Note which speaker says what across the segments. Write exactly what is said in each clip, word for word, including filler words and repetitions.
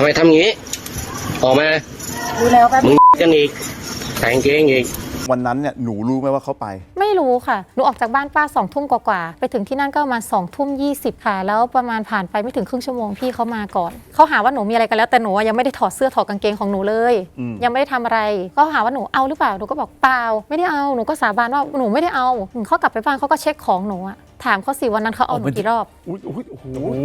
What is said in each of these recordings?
Speaker 1: ทำไมทำงี้ออกมาดูแล้วแบบมึงกันอีกแต่งเกงอีก
Speaker 2: วันนั้นเนี่ยหนูรู้ไหมว่าเขาไป
Speaker 3: ไม่รู้ค่ะหนูออกจากบ้านป้าสองทุ่มกว่าๆไปถึงที่นั่นก็ประมาณสองทุ่มยี่สิบค่ะแล้วประมาณผ่านไปไม่ถึงครึ่งชั่วโมงพี่เขามาก่อนเขาหาว่าหนูมีอะไรกันแล้วแต่หนูยังไม่ได้ถอดเสื้อถอดกางเกงของหนูเลยยังไม่ได้ทำอะไรก็หาว่าหนูเอาหรือเปล่าหนูก็บอกเปล่าไม่ได้เอาหนูก็สาบานว่าหนูไม่ได้เอาเขากลับไปบ้านเขาก็เช็คของหนูอะถามเขาสิวันนั้นเขาเอาหนูกี่รอบ
Speaker 2: อุ้ยอุ้ยโอ้โห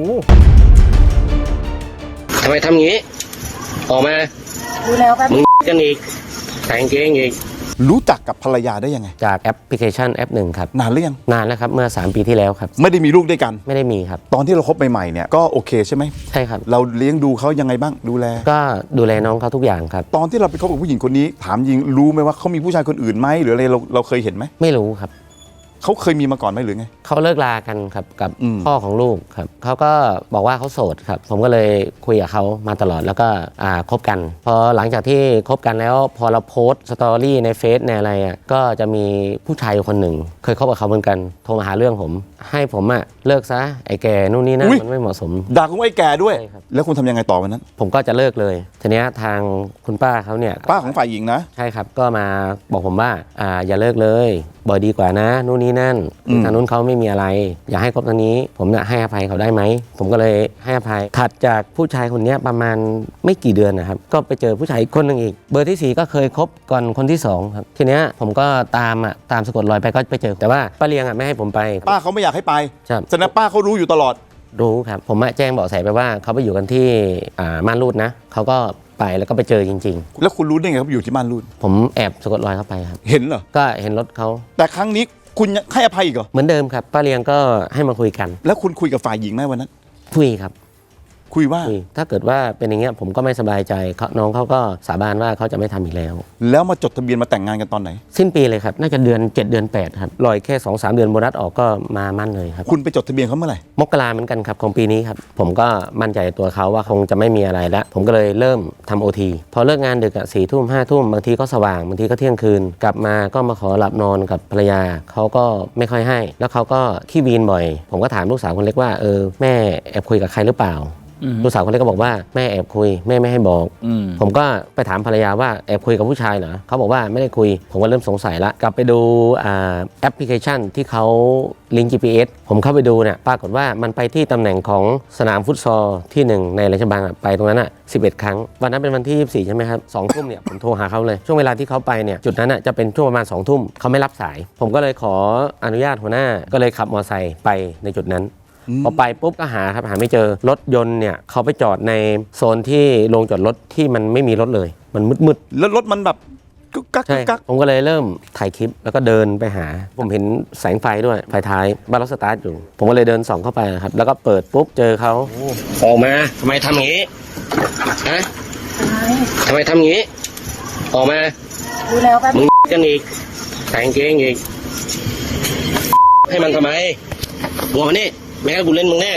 Speaker 1: ทำไมทำงี้ออกมา
Speaker 3: ดูแล้วแบบ
Speaker 1: มึงกันอีกแต่งเกงอีก
Speaker 2: รู้จักกับภรรยาได้ยังไง
Speaker 4: จากแอปพลิเคชันแอปหนึ่งครับ
Speaker 2: นานหรือยัง
Speaker 4: นานแล้วครับเมื่อสามปีที่แล้วครับ
Speaker 2: ไม่ได้มีลูกด้วยกัน
Speaker 4: ไม่ได้มีครับ
Speaker 2: ตอนที่เราคบใหม่ๆเนี่ยก็โอเคใช่ไหม
Speaker 4: ใช่ครับ
Speaker 2: เราเลี้ยงดูเขายังไงบ้างดูแล
Speaker 4: ก็ดูแลน้องเขาทุกอย่างครับ
Speaker 2: ตอนที่เราไปคบกับผู้หญิงคนนี้ถามยิงรู้ไหมว่าเขามีผู้ชายคนอื่นไหมหรืออะไรเราเราเคยเห็นไหม
Speaker 4: ไม่รู้ครับ
Speaker 2: เขาเคยมีมาก่อนไหมหรือไง
Speaker 4: เขาเลิกลากันครับกับพ่อของลูกครับเขาก็บอกว่าเขาโสดครับผมก็เลยคุยกับเขามาตลอดแล้วก็อ่าคบกันพอหลังจากที่คบกันแล้วพอเราโพสต์สตอรี่ในเฟซในอะไรอ่ะก็จะมีผู้ชายคนหนึ่งเคยคบกับเขาเหมือนกันโทรมาหาเรื่องผมให้ผมอ่ะเลิกซะไอ้แกนู่นนี่นั่นมันไม่เหมาะสม
Speaker 2: ด่าคุณไอ้แกด้วยแล้วคุณทำยังไงต่อวันนั้น
Speaker 4: ผมก็จะเลิกเลยทีนี้ทางคุณป้าเขาเนี่ย
Speaker 2: ป้าของฝ่ายหญิงนะ
Speaker 4: ใช่ครับก็มาบอกผมว่าอ่าอย่าเลิกเลยบ่อยดีกว่านะนู่นนี่นั่นทางนู้นเขาไม่มีอะไรอยากให้คบทางนี้ผมเนี่ยให้อภัยเขาได้ไหมผมก็เลยให้อภัยถัดจากผู้ชายคนนี้ประมาณไม่กี่เดือนนะครับก็ไปเจอผู้ชายคนหนึ่งอีกเบอร์ที่สี่ก็เคยคบก่อนคนที่สองครับทีเนี้ยผมก็ตามอ่ะตามสะกดรอยไปก็ไปเจอแต่ว่าป้าเลียงอ่ะไม่ให้ผมไป
Speaker 2: ป้าเขาไม่อยากให้ไป
Speaker 4: ครับ
Speaker 2: แสดงป้าเขารู้อยู่ตลอด
Speaker 4: รู้ครับผมแจ้งเบาะแสไปว่าเขาไปอยู่กันที่อ่าม่านรูดนะเขาก็ไปแล้วก็ไปเจอจริง
Speaker 2: ๆแล้วคุณรู้ได้ไงเขาอยู่ที่ม่านรูด
Speaker 4: ผมแอบสะกดรอยเข้าไปครับ
Speaker 2: เห็นเหรอ
Speaker 4: ก็เห็นรถเขา
Speaker 2: แต่ครั้งนี้คุณให้อภัยอีกเหรอ
Speaker 4: เหมือนเดิมครับป้าเลียงก็ให้มาคุยกัน
Speaker 2: แล้วคุณคุยกับฝ่ายหญิงไหมวันนั้น
Speaker 4: คุยครับ
Speaker 2: คุยว่า
Speaker 4: ถ้าเกิดว่าเป็นอย่างเงี้ยผมก็ไม่สบายใจน้องเขาก็สาบานว่าเขาจะไม่ทำอีกแล้ว
Speaker 2: แล้วมาจดทะเบียนมาแต่งงานกันตอนไหน
Speaker 4: สิ้นปีเลยครับน่าจะเดือนเจ็ดเดือนแปดครับลอยแค่ สองสาม เดือนโบนัสออกก็มามั่นเลยครับ
Speaker 2: คุณไปจดทะเบียนเขาเมื่อไหร่
Speaker 4: มกราเหมือนกันครับของปีนี้ครับผมก็มั่นใจตัวเขาว่าคงจะไม่มีอะไรแล้วผมก็เลยเริ่มทำโอทีพอเลิกงานดึกอ่ะสี่ทุ่มห้าทุ่มบางทีก็สว่างบางทีก็เที่ยงคืนกลับมาก็มาขอหลับนอนกับภรรยาเขาก็ไม่ค่อยให้แล้วเขาก็ขี้วีนบ่อยผมก็ถามลูกสาวคนเล็กว่าเออแม่แอบคุยกับใครหรือเปล่าลูกสาวคนเล็กก็บอกว่าแม่แอบคุยแม่ไม่ให้บอกผมก็ไปถามภรรยาว่าแอบคุยกับผู้ชายเหรอเขาบอกว่าไม่ได้คุยผมก็เริ่มสงสัยละกลับไปดูแอปพลิเคชันที่เขาลิงก์ จี พี เอส ผมเข้าไปดูเนี่ยปรากฏว่ามันไปที่ตำแหน่งของสนามฟุตซอลที่หนึ่งในราชบังไปตรงนั้นอ่ะสิบเอ็ดครั้งวันนั้นเป็นวันที่ยี่สิบสี่ใช่ไหมครับสองทุ่มเนี่ยผมโทรหาเขาเลยช่วงเวลาที่เขาไปเนี่ยจุดนั้นอ่ะจะเป็นช่วงประมาณสองทุ่มเขาไม่รับสายผมก็เลยขออนุญาตหัวหน้าก็เลยขับมอเตอร์ไซค์ไปในจุดนั้นพอไปปุ๊บก็หาครับหาไม่เจอรถยนต์เนี่ยเขาไปจอดในโซนที่โรงจอดรถที่มันไม่มีรถเลยมันมืด
Speaker 2: ๆแล้วรถมันแบบกุ๊กกักกุ๊กกัก
Speaker 4: ผมก็เลยเริ่มถ่ายคลิปแล้วก็เดินไปหาผมเห็นแสงไฟด้วยไฟท้ายบ้านรถสตาร์ทอยู่ผมก็เลยเดินส่องเข้าไปครับแล้วก็เปิดปุ๊บเจอเขา
Speaker 1: ออกมาทำไมทำอย่างนี้ฮะทำไมทำอย่างนี้ออกมา
Speaker 3: ดูแล้วแบบ
Speaker 1: มึงกันอีกแต่งเกงอีกให้มันทำไมหัวมันนี่แม่กูเล่นมึงแน่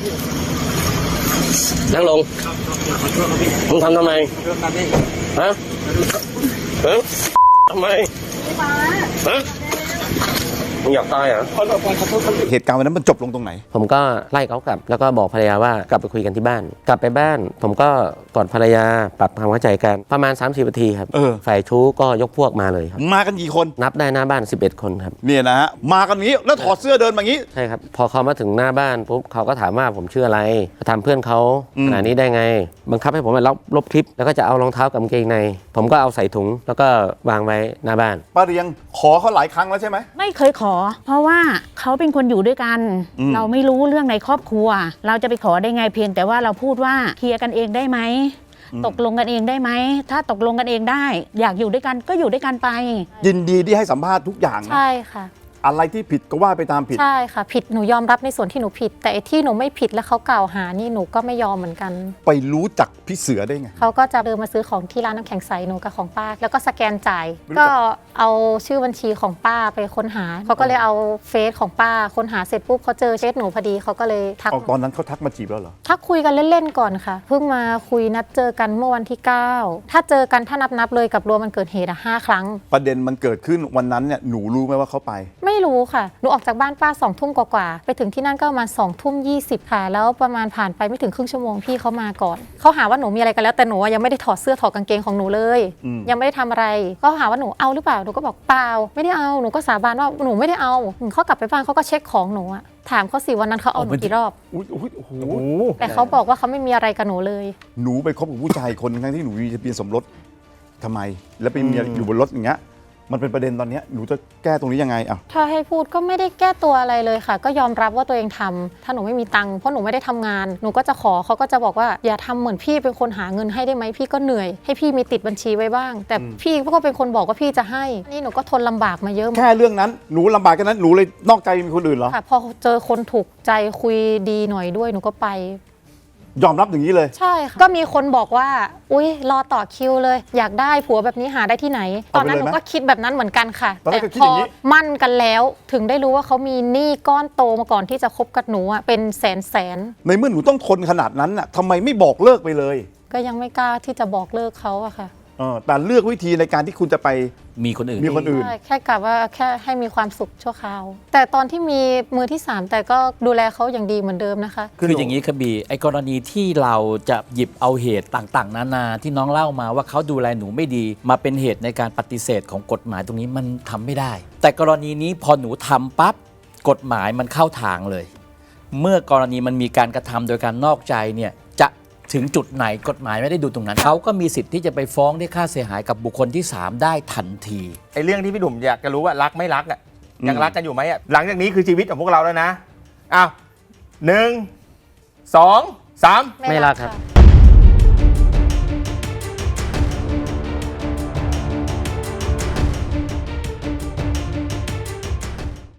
Speaker 1: นั่งลงมึงทำทำไมฮะฮะทำไมฮะมึงอยากตายเหรอ
Speaker 2: เหตุการณ์วันนั้นมันจบลงตรงไหน
Speaker 4: ผมก็ไล่เขากลับแล้วก็บอกภรรยาว่ากลับไปคุยกันที่บ้านกลับไปบ้านผมก็กอดภรรยาปรับความเข้าใจกันประมาณ สามสิบ นาทีครับฝ่ายชู้ก็ยกพวกมาเลยครับ
Speaker 2: มากันกี่คน
Speaker 4: นับได้หน้าบ้านสิบเอ็ดคนครับ
Speaker 2: เนี่ยนะฮะมากันนี้แล้วถอดเสื้อเดินมางี้
Speaker 4: ใช่ครับพอเขามาถึงหน้าบ้านปุ๊บเขาก็ถามว่าผมชื่ออะไรทำเพื่อนเขาขนาดนี้ได้ไงบังคับให้ผมไปลบลบคลิปแล้วก็จะเอารองเท้ากับกางเกงในผมก็เอาใส่ถุงแล้วก็วางไว้หน้าบ้าน
Speaker 2: ป้าเรียงขอเขาหลายครั้งแล้วใช่ไหม
Speaker 5: ไม่เคยขอเพราะว่าเขาเป็นคนอยู่ด้วยกันเราไม่รู้เรื่องในครอบครัวเราจะไปขอได้ไงเพียงแต่ว่าเราพูดว่าเคลียร์กันเองได้ไหมตกลงกันเองได้ไหมถ้าตกลงกันเองได้อยากอยู่ด้วยกันก็อยู่ด้วยกันไป
Speaker 2: ยินดีที่ให้สัมภาษณ์ทุกอย่าง
Speaker 3: ใช่ค่ะ
Speaker 2: อะไรที่ผิดก็ว่าไปตามผิด
Speaker 3: ใช่ค่ะผิดหนูยอมรับในส่วนที่หนูผิดแต่ที่หนูไม่ผิดแล้วเขากล่าวหานี่หนูก็ไม่ยอมเหมือนกัน
Speaker 2: ไปรู้จักพี่เสือได้ไง
Speaker 3: เขาก็จะเดินมาซื้อของที่ร้านน้ำแข็งใสหนูกับของป้าแล้วก็สแกนจ่ายก็เอาชื่อบัญชีของป้าไปค้นหาเขาก็เลยเอาเฟซของป้าค้นหาเสร็จปุ๊บเขาเจอเฟซหนูพอดีเขาก็เลยทัก
Speaker 2: ตอนนั้นเขาทักมาจีบแล้วเหรอ
Speaker 3: ทักคุยกันเล่นๆก่อนค่ะเพิ่งมาคุยนัดเจอกันเมื่อวันที่เก้าถ้าเจอกันถ้านับๆเลยกับรวมมันเกิดเหตุอะห้าครั้ง
Speaker 2: ประเด็นมันเกิดขึ้นวันนั้นเนี่ยหนูรู้ไหมว่าเขาไป
Speaker 3: ไม่รู้ค่ะหนูออกจากบ้านป้าสองทุ่มกว่าๆไปถึงที่นั่นก็ประมาณสองทุ่มยี่สิบค่ะแล้วประมาณผ่านไปไม่ถึงครึ่งชั่วโมงพี่เขามาก่อนเขาหาว่าหนูมีอะไรกันแล้วแต่หนูยังไม่ได้ถอดเสื้อถอดกางเกงของหนูเลยยังไม่ได้ทำอะไรก็หาว่าหนูเอาหรือเปล่าหนูก็บอกเปล่าไม่ได้เอาหนูก็สาบานว่าหนูไม่ได้เอาเขากลับไปบ้านเขาก็เช็คของหนูอะถามเขาสิวันนั้นเขาเอาหนูกี่รอบ
Speaker 2: อุ๊ยอุ๊ยโอ้โห
Speaker 3: แต่เขาบอกว่าเขาไม่มีอะไรกับหนูเลย
Speaker 2: หนูไปคบกับผู้ชายคนทั้งที่หนูมีทะเบียนสมรสทำไม แล้วไปมีอยู่บนรถอย่างเงี้ยมันเป็นประเด็นตอนเนี้ยหนูจะแก้ตรงนี้ยังไงอ่ะ
Speaker 3: ถ้าให้พูดก็ไม่ได้แก้ตัวอะไรเลยค่ะ ก็ยอมรับว่าตัวเองทำถ้าหนูไม่มีตังค์เพราะหนูไม่ได้ทำงานหนูก็จะขอเขาก็จะบอกว่าอย่าทำเหมือนพี่เป็นคนหาเงินให้ได้ไหมพี่ก็เหนื่อยให้พี่มีติดบัญชีไว้บ้าง แต่พี่ก็เป็นคนบอกว่าพี่จะให้นี่หนูก็ทนลำบากมาเยอะ
Speaker 2: แค่เรื่องนั้นหนูลำบากแค่นั้นหนูเลยนอกใจมีคนอื่นเหรอ
Speaker 3: ค่ะพอเจอคนถูกใจคุยดีหน่อยด้วยหนูก็ไป
Speaker 2: ยอมรับอย่างนี้เลย
Speaker 3: ใช่ค่ะก็มีคนบอกว่าอุ๊ยรอต่อคิวเลยอยากได้ผัวแบบนี้หาได้ที่ไหน ตอนนั้นหนูก็คิดแบบนั้นเหมือนกันค่ะ
Speaker 2: ตอนแร
Speaker 3: แต่
Speaker 2: กก็คิด
Speaker 3: พ
Speaker 2: อ
Speaker 3: อย่าง
Speaker 2: นี้
Speaker 3: มั่นกันแล้วถึงได้รู้ว่าเขามีหนี้ก้อนโตมาก่อนที่จะคบกับหนูอะเป็นแสนแสน
Speaker 2: ในเมื่อหนูต้องทนขนาดนั้นน่ะทำไมไม่บอกเลิกไปเลย
Speaker 3: ก็ยังไม่กล้าที่จะบอกเลิกเขาอะค่ะ
Speaker 2: เออแต่เลือกวิธีในการที่คุณจะไป
Speaker 6: มีคนอื่น
Speaker 2: มีคนอื่น
Speaker 3: ใช่แค่กะว่าแค่ให้มีความสุขชั่วคราว แต่ตอนที่มีมือที่สามแต่ก็ดูแลเขาอย่างดีเหมือนเดิมนะคะ
Speaker 6: คืออย่างนี้ครับบีไอ้กรณีที่เราจะหยิบเอาเหตุต่างๆ นานาที่น้องเล่ามาว่าเขาดูแลหนูไม่ดีมาเป็นเหตุในการปฏิเสธของกฎหมายตรงนี้มันทำไม่ได้ แต่กรณีนี้พอหนูทำปั๊บกฎหมายมันเข้าทางเลย เมื่อกรณีมันมีการกระทำโดยการนอกใจเนี่ยจะถึงจุดไหนกฎหมายไม่ได้ดูตรงนั้นเขาก็มีสิทธิ์ที่จะไปฟ้องได้ค่าเสียหายกับบุคคลที่สามได้ทันที
Speaker 1: ไอ้เรื่องที่พี่หนุ่มอยากจะรู้ว่ารักไม่รักอ่ะยังรักกันอยู่ไหมอ่ะหลังจากนี้คือชีวิตของพวกเราแล้วนะอ้าวหนึ่งสองสาม
Speaker 4: ไม่รักครับ
Speaker 3: ะ